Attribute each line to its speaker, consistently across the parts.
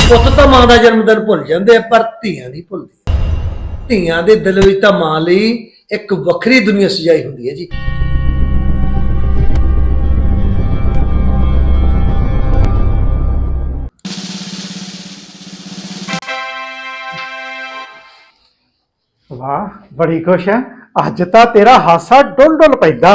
Speaker 1: ਪੁੱਤ ਤਾਂ ਮਾਂ ਦਾ ਜਨਮ ਦਿਨ ਭੁੱਲ ਜਾਂਦੇ ਆ, ਪਰ ਧੀਆਂ ਦੀ ਭੁੱਲਦੀ ਆ। ਧੀਆਂ ਦੇ ਦਿਲ ਵਿੱਚ ਤਾਂ ਮਾਂ ਲਈ ਇੱਕ ਵੱਖਰੀ ਦੁਨੀਆ ਸਜਾਈ ਹੁੰਦੀ ਹੈ ਜੀ।
Speaker 2: वाह बड़ी खुश है अज तो तेरा हासा डुल डुल पैदा।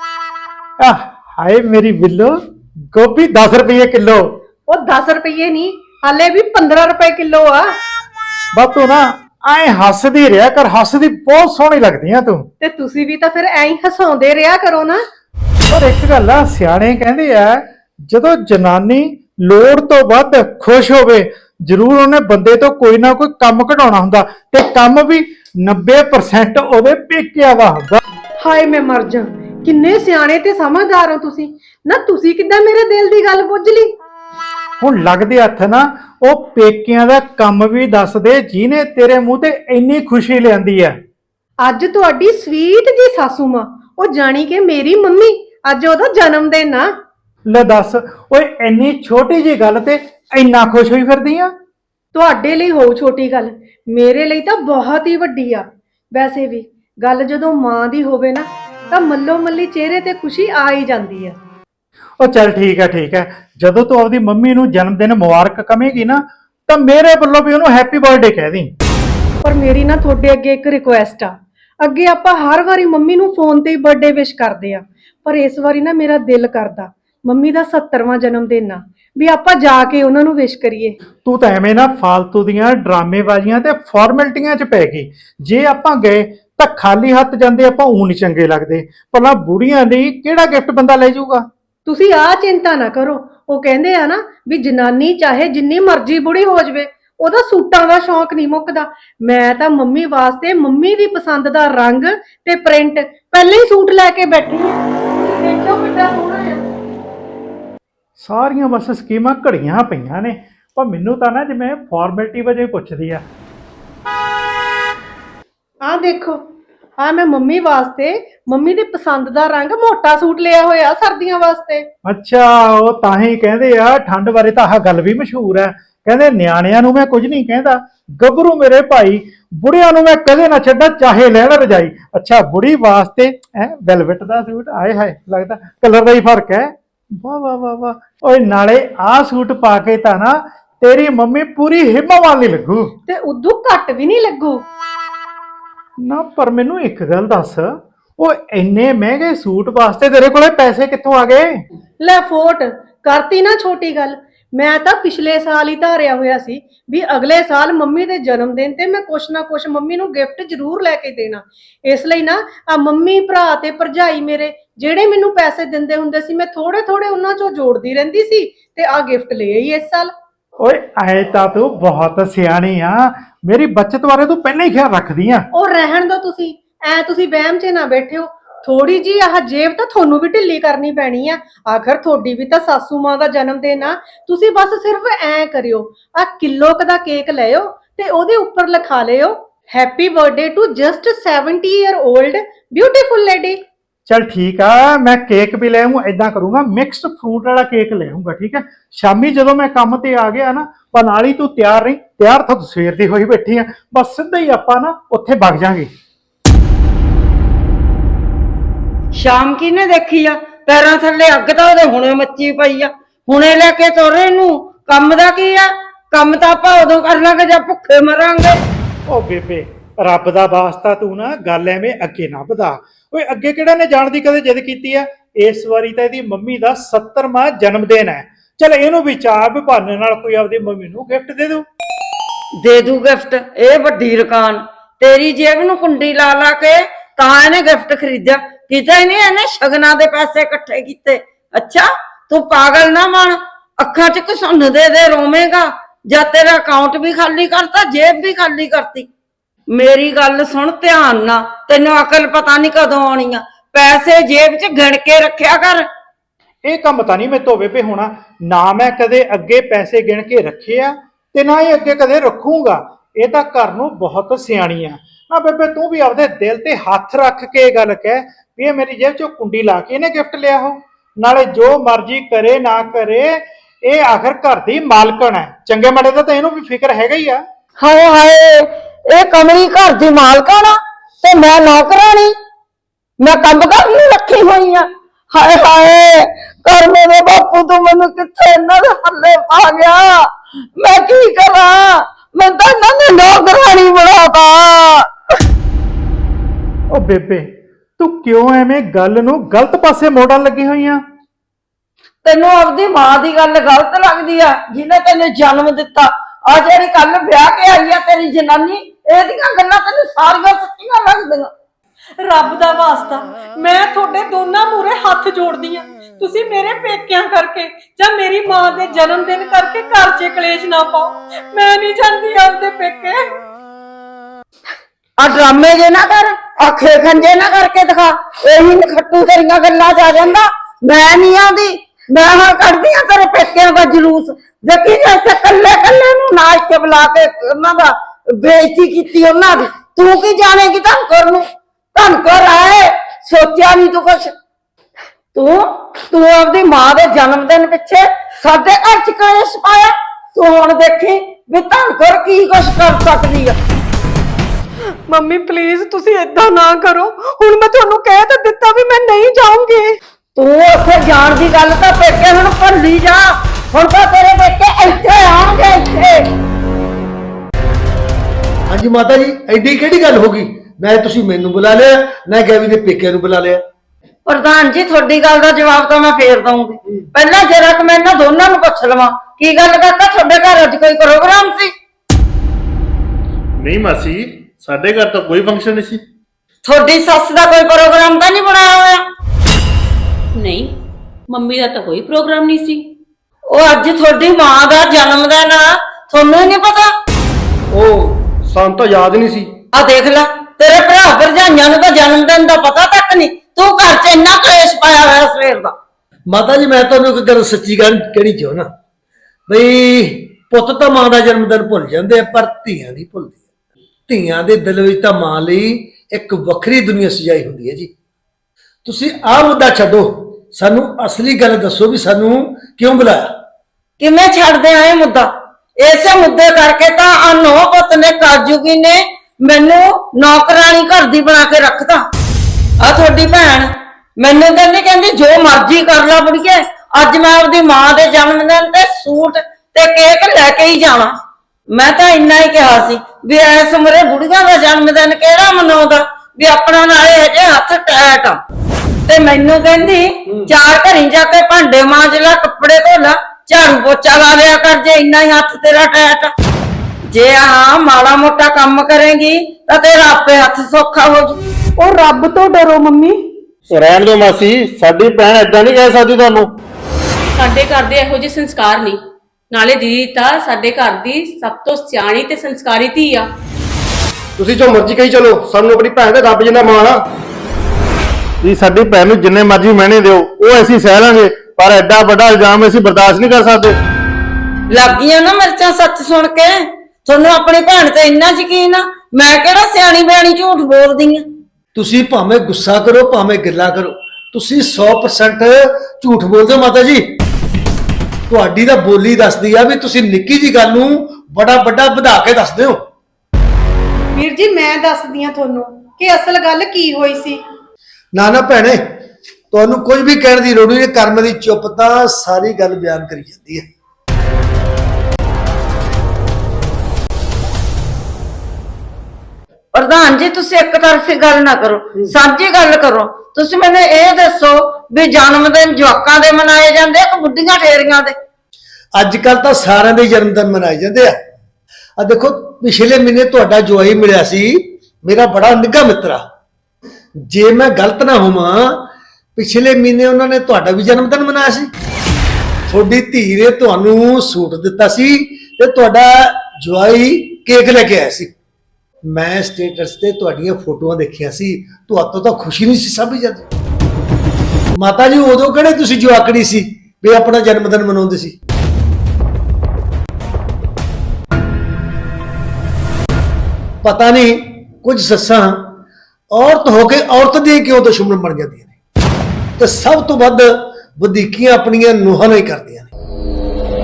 Speaker 2: हाय मेरी बिल्लो गोभी 10 रुपये किलो।
Speaker 3: वो 10 रुपये नहीं हाले भी 15 रुपए किलो आ।
Speaker 2: बस तू ना ऐ हसदी रहा कर, हसदी बहुत सोहनी लगदी है तू।
Speaker 3: ते तुसी भी तो फिर ऐ ही हसाउंदे रहा करो ना।
Speaker 2: पर एक गल आ सियाणे कहंदे आ जदों जनानी लोड़ तो वध खुश होवे जरूर उन्हें बंदे तो कोई ना कोई काम कढाउणा हुंदा ते काम भी 90% ਉਹਦੇ ਪੇਕਿਆਂ ਦਾ ਹੁੰਦਾ।
Speaker 3: हाय मैं मर जा किन्ने सियाणे ते समझदार हो तुसी ना। तुसी किद्दां मेरे दिल दी गल बुझ ली।
Speaker 2: ਹੁਣ ਲੱਗਦੇ ਹੱਥ ਨਾ ਉਹ ਪੇਕਿਆਂ ਦਾ ਕੰਮ ਵੀ ਦੱਸ ਦੇ ਜਿਹਨੇ ਤੇਰੇ ਮੂੰਹ ਤੇ ਇੰਨੀ ਖੁਸ਼ੀ ਲਿਆਂਦੀ ਹੈ।
Speaker 3: ਅੱਜ ਤੁਹਾਡੀ ਸਵੀਟ ਜੀ ਸਾਸੂ ਮਾਂ ਉਹ ਜਾਣੀ ਕਿ ਮੇਰੀ ਮੰਮੀ ਅੱਜ ਉਹਦਾ ਜਨਮ ਦਿਨ ਆ।
Speaker 2: ਲੈ ਦੱਸ ਓਏ ਇੰਨੀ ਛੋਟੀ ਜੀ ਗੱਲ ਤੇ ਇੰਨਾ ਖੁਸ਼ ਹੋਈ ਫਿਰਦੀ ਆ।
Speaker 3: ਤੁਹਾਡੇ ਲਈ ਹੋਊ ਛੋਟੀ ਗੱਲ, ਮੇਰੇ ਲਈ ਤਾਂ ਬਹੁਤ ਹੀ ਵੱਡੀ ਆ। ਵੈਸੇ ਵੀ ਗੱਲ ਜਦੋਂ ਮਾਂ ਦੀ ਹੋਵੇ ਨਾ ਤਾਂ ਮੱਲੋ ਮੱਲੀ ਚਿਹਰੇ ਤੇ ਖੁਸ਼ੀ ਆ ਹੀ ਜਾਂਦੀ ਆ।
Speaker 2: ਉਹ ਚੱਲ ਠੀਕ ਹੈ ਜਦੋਂ ਤੂੰ ਆਪਦੀ ਮੰਮੀ ਨੂੰ ਜਨਮ ਦਿਨ ਮੁਬਾਰਕ ਕਵੇਂਗੀ ਨਾ ਤਾਂ ਮੇਰੇ ਵੱਲੋਂ ਵੀ ਉਹਨੂੰ ਹੈਪੀ ਬਰਥਡੇ ਕਹਿ ਦੀ। ਪਰ
Speaker 3: ਮੇਰੀ ਨਾ ਤੁਹਾਡੇ ਅੱਗੇ ਇੱਕ ਰਿਕੁਐਸਟ ਆ। ਅੱਗੇ ਆਪਾਂ ਹਰ ਵਾਰੀ ਮੰਮੀ ਨੂੰ ਫੋਨ ਤੇ ਹੀ ਬਰਥਡੇ ਵਿਸ਼ ਕਰਦੇ ਆ, ਪਰ ਇਸ ਵਾਰੀ ਨਾ ਮੇਰਾ ਦਿਲ ਕਰਦਾ ਮੰਮੀ ਦਾ 70ਵਾਂ ਜਨਮ ਦਿਨ ਆ ਵੀ ਆਪਾਂ ਜਾ ਕੇ ਉਹਨਾਂ ਨੂੰ ਵਿਸ਼ ਕਰੀਏ।
Speaker 2: ਤੂੰ ਤਾਂ ਐਵੇਂ ਨਾ ਫਾਲਤੂ ਦੀਆਂ ਡਰਾਮੇਬਾਜ਼ੀਆਂ ਤੇ ਫਾਰਮੈਲਿਟੀਆਂ 'ਚ ਪੈ ਗਈ। ਜੇ ਆਪਾਂ ਗਏ ਤਾਂ ਖਾਲੀ ਹੱਥ ਜਾਂਦੇ ਆਪਾਂ ਊਂ ਨਹੀਂ ਚੰਗੇ ਲੱਗਦੇ। ਭਲਾ ਬੁੜੀਆਂ ਲਈ ਕਿਹੜਾ ਗਿਫਟ ਬੰਦਾ ਲੈ ਜਾਊਗਾ।
Speaker 3: ਤੁਸੀਂ ਆਹ ਚਿੰਤਾ ਨਾ ਕਰੋ। ਉਹ ਕਹਿੰਦੇ ਆ ਨਾ ਵੀ ਜਨਾਨੀ ਚਾਹੇ ਜਿੰਨੀ ਮਰਜ਼ੀ ਬੁੜੀ ਹੋ ਜਾਵੇ ਉਹਦਾ ਸੂਟਾਂ ਦਾ ਸ਼ੌਂਕ ਨਹੀਂ ਮੁੱਕਦਾ। ਮੈਂ ਤਾਂ ਮੰਮੀ ਵਾਸਤੇ ਮੰਮੀ ਦੀ ਪਸੰਦ ਦਾ ਰੰਗ ਤੇ ਪ੍ਰਿੰਟ ਪਹਿਲਾਂ ਹੀ ਸੂਟ ਲੈ ਕੇ ਬੈਠੀ ਆ। ਦੇਖੋ ਕਿੱਡਾ ਸੋਹਣਾ ਆ।
Speaker 2: ਸਾਰੀਆਂ ਬਸ ਸਕੀਮਾਂ ਘੜੀਆਂ ਪਈਆਂ ਨੇ, ਪਰ ਮੈਨੂੰ ਤਾਂ ਨਾ ਜਿਵੇਂ ਫਾਰਮੈਲਿਟੀ ਵਜੇ ਪੁੱਛਦੀ ਆ।
Speaker 3: ਆਹ ਦੇਖੋ ਆ ਮੈਂ ਮੰਮੀ ਵਾਸਤੇ ਮੰਮੀ ਦੀ ਪਸੰਦ ਦਾ ਰੰਗ ਮੋਟਾ ਸੂਟ ਲਿਆ ਹੋਇਆ ਸਰਦੀਆਂ ਵਾਸਤੇ।
Speaker 2: ਅੱਛਾ ਉਹ ਤਾਂ ਹੀ ਕਹਿੰਦੇ ਆ ਠੰਡ ਬਾਰੇ ਤਾਂ ਆਹ ਗੱਲ ਵੀ ਮਸ਼ਹੂਰ ਹੈ। ਕਹਿੰਦੇ ਨਿਆਣਿਆਂ ਨੂੰ ਮੈਂ ਕੁਝ ਨਹੀਂ ਕਹਿੰਦਾ, ਗੱਭਰੂ ਮੇਰੇ ਭਾਈ ਬੁੜਿਆਂ ਨੂੰ ਮੈਂ ਕਦੇ ਨਾ ਛੱਡਾ ਚਾਹੇ ਲੈਣ ਰਜਾਈ। ਅੱਛਾ ਬੁੜੀ ਵਾਸਤੇ ਵੈਲਵਟ ਦਾ ਸੂਟ, ਆਏ ਹਾਏ ਲੱਗਦਾ ਕਲਰ ਦਾ ਹੀ ਫਰਕ ਹੈ। ਵਾਹ ਵਾਹ ਵਾਹ ਵਾਹ। ਓਏ ਨਾਲੇ ਆਹ ਸੂਟ ਪਾ ਕੇ ਤਾਂ ਨਾ ਤੇਰੀ ਮੰਮੀ ਪੂਰੀ ਹਿੰਮਾ ਵਾਲੀ ਲੱਗੂ
Speaker 3: ਤੇ ਉਦੋਂ ਘੱਟ ਵੀ ਨਹੀਂ ਲੱਗੂ
Speaker 2: ਨਾ। ਪਰ ਮੈਨੂੰ ਇੱਕ ਗੱਲ ਦੱਸ, ਉਹ ਇੰਨੇ ਮਹਿੰਗੇ ਸੂਟ ਵਾਸਤੇ ਤੇਰੇ ਕੋਲੇ ਪੈਸੇ ਕਿੱਥੋਂ ਆ ਗਏ?
Speaker 3: ਲੈ ਫੋਟ ਕਰਤੀ ਨਾ ਛੋਟੀ ਗੱਲ। ਮੈਂ ਤਾਂ ਪਿਛਲੇ ਸਾਲ ਹੀ ਧਾਰਿਆ ਹੋਇਆ ਸੀ ਵੀ ਅਗਲੇ ਸਾਲ ਮੰਮੀ ਦੇ ਜਨਮ ਦਿਨ ਤੇ ਮੈਂ ਕੁਛ ਨਾ ਕੁਛ ਮੰਮੀ ਨੂੰ ਗਿਫਟ ਜ਼ਰੂਰ ਲੈ ਕੇ ਦੇਣਾ। ਇਸ ਲਈ ਨਾ ਆ ਮੰਮੀ ਭਰਾ ਤੇ ਭਰਜਾਈ ਮੇਰੇ ਜਿਹੜੇ ਮੈਨੂੰ ਪੈਸੇ ਦਿੰਦੇ ਹੁੰਦੇ ਸੀ ਮੈਂ ਥੋੜੇ ਥੋੜੇ ਉਹਨਾਂ ਚੋਂ ਜੋੜਦੀ ਰਹਿੰਦੀ ਸੀ ਤੇ ਆ ਗਿਫਟ ਲੈ ਆਈ ਇਸ ਸਾਲ।
Speaker 2: ਓਏ ਐ ਤਾਂ ਤੂੰ ਬਹੁਤ ਸਿਆਣੀ ਆ, ਮੇਰੀ ਬੱਚਤ ਬਾਰੇ ਤੂੰ ਪਹਿਲਾਂ ਹੀ ਖਿਆਲ ਰੱਖਦੀ ਆ।
Speaker 3: ਉਹ ਰਹਿਣ ਦੋ ਤੁਸੀਂ ਵਹਿਮ 'ਚ ਨਾ ਬੈਠਿਓ। ਥੋੜੀ ਜੀ ਆਹ ਜੇਬ ਤਾਂ ਤੁਹਾਨੂੰ ਵੀ ਢਿੱਲੀ ਕਰਨੀ ਪੈਣੀ ਆ। ਆਖਰ ਤੁਹਾਡੀ ਵੀ ਤਾਂ ਸਾਸੂ ਮਾਂ ਦਾ ਜਨਮ ਦਿਨ ਆ। ਤੁਸੀਂ ਬਸ ਸਿਰਫ ਐ ਕਰਿਓ ਆ ਕਿਲੋ ਕ ਦਾ ਕੇਕ ਲਿਓ ਤੇ ਉਹਦੇ ਉੱਪਰ ਲਿਖਾ ਲਿਓ happy birthday to just 70 year old beautiful lady.
Speaker 2: चल ठीक है मैं केक भी ले आऊंगा। इदा करूंगा मिक्स्ड फ्रूट वाला केक ले आऊंगा। ठीक है शामी जो मैं काम ते आ गया ना पनाली तू तैयार रही, तैयार तो सवेर दी होई बैठी है, बस सीधा ही आपां ना उत्थे वग जांगे।
Speaker 4: शाम की ने देखी आ पैरां थल्ले अग तां ओहदे हुणे मच्ची पई आ। हुणे लेके तुरे नूं काम दा की आ? काम तां आपां उदों कर लांगे जद भुखे मरांगे।
Speaker 2: ओ बेबे रब दा वास्ता तू ना गल एवें अगे ना वधा। ओए अगे किहड़ा ने जाण दी कदे जिद कीती है? इस वारी तां इहदी मम्मी दा 70वां जन्म दिन है। चल इहनूं भी चाह भी बहाने नाल कोई आपदी मम्मी नूं गिफ्ट दे
Speaker 4: दू गिफ्ट। ए वड्डी रकान तेरी जेब नूं कुंडी ला ला के तां इहने गिफ्ट खरीदिया, किते नहीं इहने शगना दे पैसे इकट्ठे कीते। अच्छा तू पागल ना बन, अखां च घसुन्न दे रोवेगा जद तेरा अकाउंट भी खाली करता जेब भी खाली करती। मेरी गल सुन ध्यान ना, तेनों अकल पता नहीं कदों आनी आ। पैसे जेब च गिण के रखिया कर।
Speaker 2: ਇਹ ਕੰਮ ਤਾਂ ਨਹੀਂ ਮੇਰੇ ਤੋਂ ਬੇਬੇ ਹੋਣਾ। ਨਾ ਮੈਂ ਕਦੇ ਅੱਗੇ ਪੈਸੇ ਗਿਣ ਕੇ ਰੱਖੇ ਆ ਤੇ ਨਾ ਹੀ ਅੱਗੇ ਕਦੇ ਰੱਖੂੰਗਾ। ਇਹ ਤਾਂ ਘਰ ਨੂੰ ਬਹੁਤ ਸਿਆਣੀ ਆ ਨਾ ਬੇਬੇ। ਤੂੰ ਵੀ ਆਪਦੇ ਦਿਲ ਤੇ ਹੱਥ ਰੱਖ ਕੇ ਇਹ ਗੱਲ ਕਹਿ ਵੀ ਇਹ ਮੇਰੀ ਜੇਬ ਚੋਂ ਕੁੰਡੀ ਲਾ ਕੇ ਇਹਨੇ ਗਿਫਟ ਲਿਆ ਹੋ। ਨਾਲੇ ਜੋ ਮਰਜ਼ੀ ਕਰੇ ਨਾ ਕਰੇ ਇਹ ਆਖਰ ਘਰ ਦੀ ਮਾਲਕਣ ਹੈ, ਚੰਗੇ ਮਾੜੇ ਦਾ ਤਾਂ ਇਹਨੂੰ ਵੀ ਫਿਕਰ ਹੈਗਾ ਹੀ ਆ।
Speaker 4: ਹਾਏ ਹਾਏ, ਇਹ ਕਮਲੀ ਘਰ ਦੀ ਮਾਲਕਣ ਆ ਤੇ ਮੈਂ ਨੌਕਰਾਣੀ, ਮੈਂ ਕੰਮ ਕਰਨ ਨੂੰ ਰੱਖੀ ਹੋਈ ਆ। ਹਾਏ ਹਾਏ, ਕਰ ਮੇਰੇ ਬਾਪੂ ਤੂੰ ਮੈਨੂੰ ਕਿੱਥੇ ਇਹਨਾਂ ਦੇ ਪੱਲੇ ਪਾ ਗਿਆ, ਮੈਂ ਕੀ ਕਰਾਂ, ਮੈਂ ਤਾਂ ਇਹਨਾਂ ਨੇ ਨੌਕਰਾਣੀ ਬਣਾਤਾ।
Speaker 2: ਉਹ ਬੇਬੇ ਤੂੰ ਕਿਉਂ ਐਵੇਂ ਗੱਲ ਨੂੰ ਗਲਤ ਪਾਸੇ ਮੋੜਨ ਲੱਗੀ ਹੋਈ ਆ?
Speaker 4: ਤੈਨੂੰ ਆਪਦੀ ਮਾਂ ਦੀ ਗੱਲ ਗਲਤ ਲੱਗਦੀ ਆ ਜਿਹਨੇ ਤੈਨੂੰ ਜਨਮ ਦਿੱਤਾ। ਆ ਜਿਹੜੀ ਕੱਲ ਵਿਆਹ ਕੇ ਆਈ ਆ ਤੇਰੀ ਜਨਾਨੀ, ਇਹਦੀਆਂ ਗੱਲਾਂ ਤੈਨੂੰ ਸਾਰੀਆਂ ਸੱਚੀਆਂ ਲੱਗਦੀਆਂ।
Speaker 3: ਰੱਬ ਦਾ ਵਾਸਤਾ, ਮੈਂ ਤੁਹਾਡੇ ਦੋਨਾਂ ਮੂਹਰੇ ਹੱਥ ਜੋੜਦੀ ਆ, ਤੁਸੀਂ ਮੇਰੇ ਪੇਕਿਆਂ ਕਰਕੇ ਜਾਂ ਮੇਰੀ ਮਾਂ ਦੇ ਜਨਮ ਦਿਨ ਕਰਕੇ ਘਰ 'ਚ ਕਲੇਸ਼ ਨਾ ਪਾਓ। ਮੈਂ ਨਹੀਂ ਜਾਂਦੀ ਆਪਦੇ ਪੇਕੇ।
Speaker 4: ਆ ਡਰਾਮੇ ਜੇ ਨਾ ਕਰ, ਆਖੇ ਖੰਜੇ ਨਾ ਕਰਕੇ ਦਿਖਾ, ਇਹੀ ਨਖੱਟੂ ਤੇਰੀਆਂ ਗੱਲਾਂ 'ਚ ਆ ਜਾਂਦਾ। ਮੈਂ ਨਹੀਂ ਆਉਂਦੀ, ਮੈਂ ਹਾਂ ਕੱਢਦੀ ਆ ਤੇਰੇ ਪੇਕਿਆਂ ਦਾ ਜਲੂਸ। ਦੇਖੀ ਜੇ ਕੱਲੇ ਕੱਲੇ ਨੂੰ ਨਾਚ ਕੇ ਬੁਲਾ ਕੇ ਉਹਨਾਂ ਦਾ ਬੇਇੱਜ਼ਤੀ ਕੀਤੀ ਉਹਨਾਂ ਦੀ। ਤੂੰ ਕੀ ਜਾਣੇਗੀ ਧਨਕਰ ਨੂੰ? ਧਨਕਰ ਆਏ ਸੋਚਿਆ ਨਹੀਂ ਤੂੰ ਕੁਛ। ਤੂੰ ਆਪਦੀ ਮਾਂ ਦੇ ਜਨਮ ਦਿਨ ਪਿੱਛੇ ਸਾਡੇ ਘਰ 'ਚ ਕਲੇਸ਼ ਪਾਇਆ। ਤੂੰ ਹੁਣ ਦੇਖੀ ਵੀ ਧਨਕਰ ਕੀ ਕੁਛ ਕਰ ਸਕਦੀ ਆ।
Speaker 3: ਮੰਮੀ ਪਲੀਜ਼ ਤੁਸੀਂ ਏਦਾਂ ਨਾ ਕਰੋ, ਹੁਣ ਮੈਂ ਤੁਹਾਨੂੰ ਕਹਿ ਤਾਂ ਦਿੱਤਾ ਵੀ ਮੈਂ ਨਹੀਂ ਜਾਊਂਗੀ।
Speaker 4: ਤੂੰ ਉੱਥੇ ਜਾਣ ਦੀ ਗੱਲ ਤਾਂ ਪੇਕੇ ਹੁਣ ਭੁੱਲੀ ਜਾ। ਹੁਣ ਤਾਂ ਤੇਰੇ ਪੇਕੇ ਇੱਥੇ ਆਉਣਗੇ, ਇੱਥੇ।
Speaker 1: ਹਾਂਜੀ ਮਾਤਾ ਜੀ, ਐਡੀ ਕਿਹੜੀ ਗੱਲ ਹੋ ਗਈ? ਨਾ ਤੁਸੀਂ ਮੈਨੂੰ ਬੁਲਾ ਲਿਆ, ਨਾ ਗੈਵੀ ਦੇ ਪੇਕਿਆਂ ਨੂੰ ਬੁਲਾ ਲਿਆ।
Speaker 4: ਪ੍ਰਧਾਨ ਜੀ ਤੁਹਾਡੀ ਗੱਲ ਦਾ ਜਵਾਬ ਤਾਂ ਮੈਂ ਫੇਰ ਦਊਂਗੀ। ਪਹਿਲਾਂ ਜਰਾ ਕਿ ਮੈਂ ਇਹਨਾਂ ਦੋਨਾਂ ਨੂੰ ਪੁੱਛ ਲਵਾਂ, ਕੀ ਗੱਲ ਕਾਕਾ ਤੁਹਾਡੇ ਘਰ ਅੱਜ ਕੋਈ ਪ੍ਰੋਗਰਾਮ ਸੀ?
Speaker 5: ਨਹੀਂ ਮਾਸੀ, ਸਾਡੇ ਘਰ ਤਾਂ ਕੋਈ ਫੰਕਸ਼ਨ ਨਹੀਂ ਸੀ।
Speaker 4: ਤੁਹਾਡੀ ਸੱਸ ਦਾ ਕੋਈ ਪ੍ਰੋਗਰਾਮ ਤਾਂ ਨਹੀਂ ਬਣਾਇਆ ਹੋਇਆ?
Speaker 6: ਨਹੀਂ, ਮੰਮੀ ਦਾ ਤਾਂ ਕੋਈ ਪ੍ਰੋਗਰਾਮ ਨਹੀਂ ਸੀ।
Speaker 4: ਉਹ ਅੱਜ ਤੁਹਾਡੀ ਮਾਂ ਦਾ ਜਨਮ ਦਿਨ ਆ, ਤੁਹਾਨੂੰ ਨਹੀਂ ਪਤਾ?
Speaker 1: ਉਹ ਸਾਨੂੰ ਤਾਂ ਯਾਦ ਨਹੀਂ ਸੀ।
Speaker 4: ਆ ਦੇਖ ਲੈ, ਤੇਰੇ ਭਰਾ ਭਰਜਾਈਆਂ ਨੂੰ ਤਾਂ ਜਨਮ ਦਿਨ ਦਾ ਪਤਾ ਤੱਕ ਨਹੀਂ। ਤੂੰ ਘਰ 'ਚ ਇੰਨਾ ਕਲੇਸ਼ ਪਾਇਆ ਹੋਇਆ ਸਵੇਰ ਦਾ।
Speaker 1: ਮਾਤਾ ਜੀ ਮੈਂ ਤੁਹਾਨੂੰ ਇੱਕ ਗੱਲ ਸੱਚੀ ਗੱਲ ਕਹਿਣੀ ਚਾਹੁੰਦਾ, ਬਈ ਪੁੱਤ ਤਾਂ ਮਾਂ ਦਾ ਜਨਮ ਦਿਨ ਭੁੱਲ ਜਾਂਦੇ ਆ, ਪਰ ਧੀਆਂ ਨਹੀਂ ਭੁੱਲਦੀਆਂ। ਧੀਆਂ ਦੇ ਦਿਲ ਵਿੱਚ ਤਾਂ ਮਾਂ ਲਈ ਇੱਕ ਵੱਖਰੀ ਦੁਨੀਆ ਸਜਾਈ ਹੁੰਦੀ ਹੈ ਜੀ। ਤੁਸੀਂ ਆਹ ਮੁੱਦਾ ਛੱਡੋ, ਸਾਨੂੰ ਅਸਲੀ ਗੱਲ ਦੱਸੋ ਵੀ ਸਾਨੂੰ ਕਿਉਂ ਬੁਲਾਇਆ?
Speaker 4: ਕਿਵੇਂ ਛੱਡਦੇ ਆਏ ਮੁੱਦਾ? ਇਸੇ ਮੁੱਦੇ ਕਰਕੇ ਤਾਂ ਆ ਨੌ ਪੁੱਤ ਨੇ ਕਾਜੂਗੀ ਨੇ ਮੈਨੂੰ ਨੌਕਰਾਨੀ ਘਰ ਦੀ ਬਣਾ ਕੇ ਰੱਖਤਾ। ਆ ਤੁਹਾਡੀ ਭੈਣ ਮੈਨੂੰ ਕਹਿੰਦੀ ਜੋ ਮਰਜ਼ੀ ਕਰ ਲਾ ਬੁੜੀਏ, ਅੱਜ ਮੈਂ ਆਪਦੀ ਮਾਂ ਦੇ ਜਨਮ ਦਿਨ ਤੇ ਸੂਟ ਤੇ ਕੇਕ ਲੈ ਕੇ ਹੀ ਜਾਣਾ। ਮੈਂ ਤਾਂ ਇੰਨਾ ਹੀ ਕਿਹਾ ਸੀ ਵੀ ਐਸ ਉਮਰੇ ਬੁੜੀਆਂ ਦਾ ਜਨਮ ਦਿਨ ਕਿਹੜਾ ਮਨਾਉਂਦਾ, ਵੀ ਆਪਣਾ ਨਾਲੇ ਹਜੇ ਹੱਥ ਟੈਟ ਆ। ਤੇ ਮੈਨੂੰ ਕਹਿੰਦੀ ਚਾਰ ਘਰੀ ਜਾ ਕੇ ਭਾਂਡੇ ਮਾਂਜ ਲੈ, ਕੱਪੜੇ ਧੋ ਲੈ, ਝਾੜੂ ਪੋਚਾ ਲਾ ਲਿਆ ਕਰ ਜੇ ਇੰਨਾ ਹੀ ਹੱਥ ਤੇਰਾ ਟੈਟ ਆ। ਜੇ ਆਹ ਮਾੜਾ ਮੋਟਾ ਕੰਮ ਕਰੇਗੀ ਤਾਂ ਤੇਰਾ ਆਪੇ ਹੱਥ ਸੌਖਾ ਹੋ ਜੂ।
Speaker 3: ਉਹ ਰੱਬ ਤੋਂ ਡਰੋ ਮੰਮੀ।
Speaker 5: ਰਹਿਣ ਦਿਓ ਮਾਸੀ, ਸਾਡੀ ਭੈਣ ਏਦਾਂ ਨਹੀਂ ਕਹਿ ਸਕਦੀ ਤੁਹਾਨੂੰ।
Speaker 6: ਸਾਡੇ ਘਰ ਦੇ ਇਹੋ ਜਿਹੇ ਸੰਸਕਾਰ ਨਹੀਂ। ਨਾਲੇ ਦੀਦੀ ਤਾਂ ਸਾਡੇ ਘਰ ਦੀ ਸਭ ਤੋਂ ਸਿਆਣੀ ਤੇ ਸੰਸਕਾਰੀ ਧੀ ਆ।
Speaker 7: ਤੁਸੀਂ ਜੋ ਮਰਜ਼ੀ ਕਹੀ ਚਲੋ, ਸਾਨੂੰ ਆਪਣੀ ਭੈਣ ਦੇ ਰੱਬ ਜਿੰਨਾ ਮਾਣ ਆ।
Speaker 5: ਜੀ ਸਾਡੀ ਭੈਣ ਨੂੰ ਜਿੰਨੇ ਮਰਜ਼ੀ ਮਹਿਣੇ ਦਿਓ, ਉਹ ਅਸੀਂ ਸਹਿ ਲਾਂਗੇ, ਪਰ ਐਡਾ ਵੱਡਾ ਇਲਜ਼ਾਮ ਅਸੀਂ ਬਰਦਾਸ਼ਤ ਨਹੀਂ ਕਰ ਸਕਦੇ।
Speaker 4: ਲੱਗੀਆਂ ਨਾ ਮਿਰਚਾਂ ਸੱਚ ਸੁਣ ਕੇ। ਤੁਹਾਨੂੰ ਆਪਣੀ ਭੈਣ ਤੇ ਇੰਨਾ ਯਕੀਨ ਆ? ਮੈਂ ਕਿਹੜਾ ਸਿਆਣੀ ਬਿਆਣੀ ਝੂਠ ਬੋਲਦੀ ਆ?
Speaker 1: ਤੁਸੀਂ ਭਾਵੇਂ ਗੁੱਸਾ ਕਰੋ ਭਾਵੇਂ ਗਿੱਲਾ ਕਰੋ, ਤੁਸੀਂ 100% ਝੂਠ ਬੋਲਦੇ ਹੋ ਮਾਤਾ ਜੀ। ਤੁਹਾਡੀ ਤਾਂ ਬੋਲੀ ਦੱਸਦੀ ਆ ਵੀ ਤੁਸੀਂ ਨਿੱਕੀ ਜੀ ਗੱਲ ਨੂੰ ਬੜਾ ਵੱਡਾ ਵਧਾ ਕੇ ਦੱਸਦੇ ਹੋ।
Speaker 3: ਵੀਰ ਜੀ ਮੈਂ ਦੱਸਦੀ ਆ ਤੁਹਾਨੂੰ ਕਿ ਅਸਲ ਗੱਲ ਕੀ ਹੋਈ ਸੀ।
Speaker 1: ਨਾ ਨਾ ਭੈਣੇ, ਤੁਹਾਨੂੰ ਕੁਝ ਵੀ ਕਹਿਣ ਦੀ ਲੋੜ ਨਹੀਂ। ਕਰਮ ਦੀ ਚੁੱਪ ਤਾਂ ਸਾਰੀ ਗੱਲ ਬਿਆਨ ਕਰੀ ਜਾਂਦੀ ਹੈ।
Speaker 4: ਪ੍ਰਧਾਨ ਜੀ ਤੁਸੀਂ ਇੱਕ ਤਰਫੀ ਗੱਲ ਨਾ ਕਰੋ, ਸਾਂਝੀ ਗੱਲ ਕਰੋ। ਤੁਸੀਂ ਮੈਨੂੰ ਇਹ ਦੱਸੋ ਵੀ ਜਨਮ ਦਿਨ ਜਵਾਕਾਂ ਦੇ ਮਨਾਏ ਜਾਂਦੇ ਕਿ ਬੁੱਢੀਆਂ ਠੇਰੀਆਂ ਦੇ?
Speaker 1: ਅੱਜ ਕੱਲ ਤਾਂ ਸਾਰਿਆਂ ਦੇ ਜਨਮ ਦਿਨ ਮਨਾਏ ਜਾਂਦੇ ਆ। ਆ ਦੇਖੋ, ਪਿਛਲੇ ਮਹੀਨੇ ਤੁਹਾਡਾ ਜਵਾਈ ਮਿਲਿਆ ਸੀ, ਮੇਰਾ ਬੜਾ ਨਿੱਘਾ ਮਿੱਤਰ ਆ। ਜੇ ਮੈਂ ਗਲਤ ਨਾ ਹੋਵਾਂ, ਪਿਛਲੇ ਮਹੀਨੇ ਉਹਨਾਂ ਨੇ ਤੁਹਾਡਾ ਵੀ ਜਨਮ ਦਿਨ ਮਨਾਇਆ ਸੀ। ਤੁਹਾਡੀ ਧੀ ਨੇ ਤੁਹਾਨੂੰ ਸੂਟ ਦਿੱਤਾ ਸੀ ਤੇ ਤੁਹਾਡਾ ਜਵਾਈ ਕੇਕ ਲੈ ਕੇ ਆਇਆ ਸੀ। ਮੈਂ ਸਟੇਟਸ ਤੇ ਤੁਹਾਡੀਆਂ ਫੋਟੋਆਂ ਦੇਖੀਆਂ ਸੀ, ਤੁਹਾਤੋਂ ਤਾਂ ਖੁਸ਼ੀ ਨਹੀਂ ਸੀ ਸਭ ਜਦ। ਮਾਤਾ ਜੀ ਉਦੋਂ ਕਿਹੜੇ ਤੁਸੀਂ ਜਵਾਕੜੀ ਸੀ ਵੀ ਆਪਣਾ ਜਨਮ ਦਿਨ ਮਨਾਉਂਦੇ ਸੀ? ਪਤਾ ਨਹੀਂ ਕੁਝ ਸੱਸਾਂ ਔਰਤ ਹੋ ਕੇ ਔਰਤ ਦੀਆਂ ਕਿਉਂ ਦੁਸ਼ਮਣ ਬਣ ਜਾਂਦੀਆਂ ਨੇ, ਤੇ ਸਭ ਤੋਂ ਵੱਧ ਵਧੀਕੀਆਂ ਆਪਣੀਆਂ ਨੂੰਹਾਂ ਨਾਲ ਹੀ ਕਰਦੀਆਂ ਨੇ।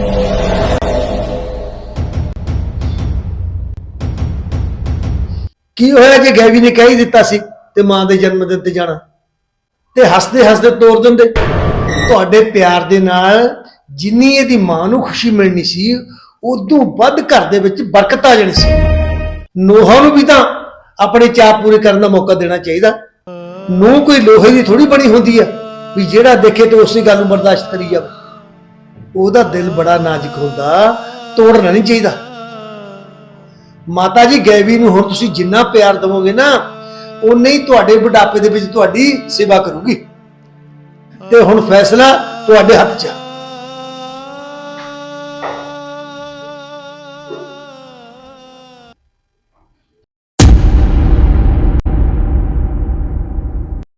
Speaker 1: ਕੀ ਹੋਇਆ ਜੇ ਗੈਵੀ ਨੇ ਕਹਿ ਹੀ ਦਿੱਤਾ ਸੀ ਤੇ ਮਾਂ ਦੇ ਜਨਮ ਦਿਨ ਤੇ ਜਾਣਾ, ਤੇ ਹੱਸਦੇ ਹੱਸਦੇ ਤੋਰ ਦਿੰਦੇ। ਤੁਹਾਡੇ ਪਿਆਰ ਦੇ ਨਾਲ ਜਿੰਨੀ ਇਹਦੀ ਮਾਂ ਨੂੰ ਖੁਸ਼ੀ ਮਿਲਣੀ ਸੀ, ਉਦੋਂ ਵੱਧ ਘਰ ਦੇ ਵਿੱਚ ਬਰਕਤ ਆ ਜਾਣੀ ਸੀ। ਨੂੰਹਾਂ ਨੂੰ ਵੀ ਤਾਂ ਆਪਣੇ ਚਾਅ ਪੂਰੇ ਕਰਨ ਦਾ ਮੌਕਾ ਦੇਣਾ ਚਾਹੀਦਾ। ਨੂੰਹ ਕੋਈ ਲੋਹੇ ਦੀ ਥੋੜੀ ਬਣੀ ਹੁੰਦੀ ਆ ਵੀ ਜਿਹੜਾ ਦੇਖੇ ਤੇ ਉਸੇ ਗੱਲ ਨੂੰ ਬਰਦਾਸ਼ਤ ਕਰੀ ਜਾਵੇ। ਉਹਦਾ ਦਿਲ ਬੜਾ ਨਾਜ਼ੁਕ ਹੁੰਦਾ, ਤੋੜਨਾ ਨਹੀਂ ਚਾਹੀਦਾ। ਮਾਤਾ ਜੀ ਗੈਵੀ ਨੂੰ ਹੁਣ ਤੁਸੀਂ ਜਿੰਨਾ ਪਿਆਰ ਦੇਵੋਗੇ ਨਾ, ਉਨੇ ਹੀ ਤੁਹਾਡੇ ਬੁਢਾਪੇ ਦੇ ਵਿੱਚ ਤੁਹਾਡੀ ਸੇਵਾ ਕਰੂਗੀ। ਤੇ ਹੁਣ ਫੈਸਲਾ ਤੁਹਾਡੇ ਹੱਥ 'ਚ ਆ।